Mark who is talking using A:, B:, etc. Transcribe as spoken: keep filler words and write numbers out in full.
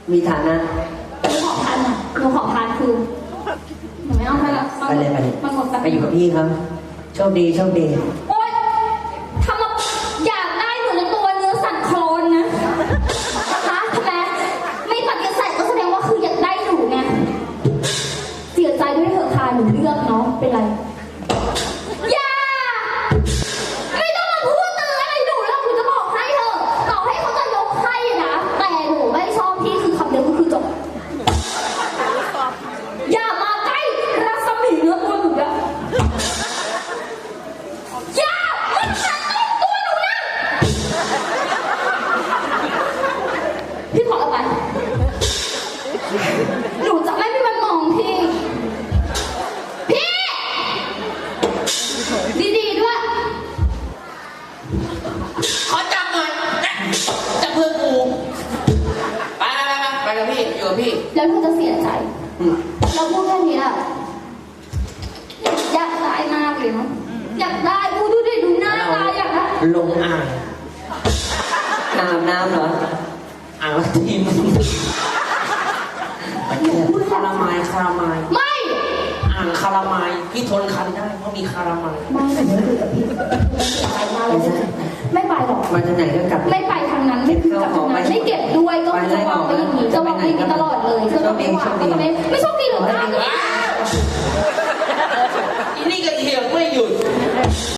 A: มีฐานะ
B: หนูขอพันหนูขอพันคือหนูไม่เอาไปละไปเลยไปเลยมันหมดไป
A: อยู่กับพี่ครับโชคดีโชคดี
B: โอ๊ยทำมาอยากได้หนูในตัวเนื้อสั่นโคลนนะฮะทำไมไม่ปฏิเสธก็แสดงว่าคืออยากได้หนูไงเสียใจด้วยเถอะค่ะหนูเลือกเนาะเป็นไรอย่าไม่ต้องมาพูดเตือนอะไรหนูแล้วหนูจะบอกให้เถอะต่อให้เขาจะยกให้นะแต่หนูไม่ชอบพี่คือคำเดียวก็คือจบอย่ามาใกล้รัศมีเนื้อตัวหนูนะอย่ามันจะต้องตัวหนูนะพี่ขอเอาไปหนูจะไม่มีวันมองพี่พี่ดีๆด้วย
C: ขอจับหน่อยจับเพื่อนกูไปไปไปไปกับพี่อยู่กับพี่
B: แล้วเธอจะเสียใจเราพูดแค่นี้อะอยากได้มากเลยเนาะอยากได้ดูดูดิดูหน้าตาอยากได้
C: ลงอ่าง
A: น้ำน้ำเหรอ
C: อ่างละทีมคาราไมล์คาราไมล์
B: ไม่
C: อ่างคาราไมล์พี่ทนคันได้เพราะมีคาราไมล์
B: ไม่หนูไม่คุยกับพี่ไปมาเลยไม่ไปหรอก
A: มาทางไหนก็กลับ
B: ไม่ไปทางนั้นไม่กลับทางนั้นไม่เก็บด้วยก็จะวางไว้อย่างนี้จะวางไว้อย่างนี้ตลอดเลยเธอจะไม่วางก็จะไม่ไม่โชคดีหรอกนะ
C: อีนี่ก็เถียงไม่หยุด